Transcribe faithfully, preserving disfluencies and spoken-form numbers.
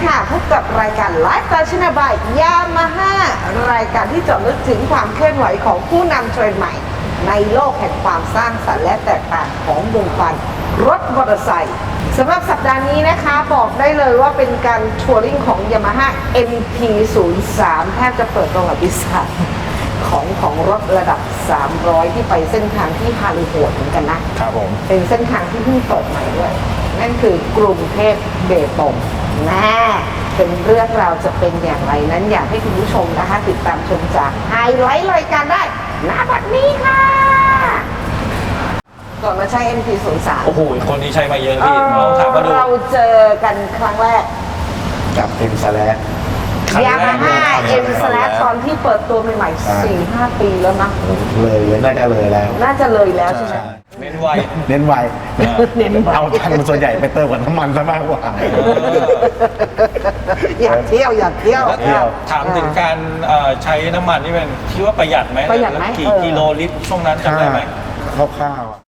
ค่ะพบกับรายการไลฟ์สไตล์ชนะบายยามาฮ่ารายการที่เจาะลึกถึงความเคลื่อนไหวของผู้นำเทรนด์ใหม่ในโลกแห่งความสร้างสรรค์และแตกต่างของวงการรถมอเตอร์ไซค์สำหรับสัปดาห์นี้นะคะบอกได้เลยว่าเป็นการทัวริงของ Yamaha เอ็ม ที ศูนย์ สาม แทบจะเปิดประวัติศาสตร์ของของรถระดับสามร้อยที่ไปเส้นทางที่ฮาลีโหดเหมือนกันนะครับผมเป็นเส้นทางที่เพิ่งเปิดใหม่ด้วยนั่นคือกรุงเทพเบตงแน่เป็นเรื่องราวจะเป็นอย่างไรนั้นอยากให้คุณผู้ชมนะคะติดตามชมจากไฮไลท์รายการได้ณบัดนี้ค่ะก่อนมาใช้ เอ็ม ที ศูนย์ สามโอ้โหคนนี้ใช้มาเยอะพี่ลองถามมาดูเราเจอกันครั้งแรกกับเอ็มสแลชยามาฮ่า เอ็ม สแลชตอนที่เปิดตัวใหม่ๆ สี่ห้า ปีแล้วนะเลยน่าจะเลยแล้วน่าจะเลยแล้วใช่ไหมเน้นไวเน้นไวเน้นไวเอาทันส่วนใหญ่ไปเติมกับน้ำมันซะมากกว่าอยากเที่ยวอยากเที่ยวแล้วถามถึงการเอ่อใช้น้ำมันนี่เป็นคิดว่าประหยัดไหมประหยัดไหมแล้วกี่เออกิโลลิตรช่วงนั้นจำได้ไหมคร่าวๆ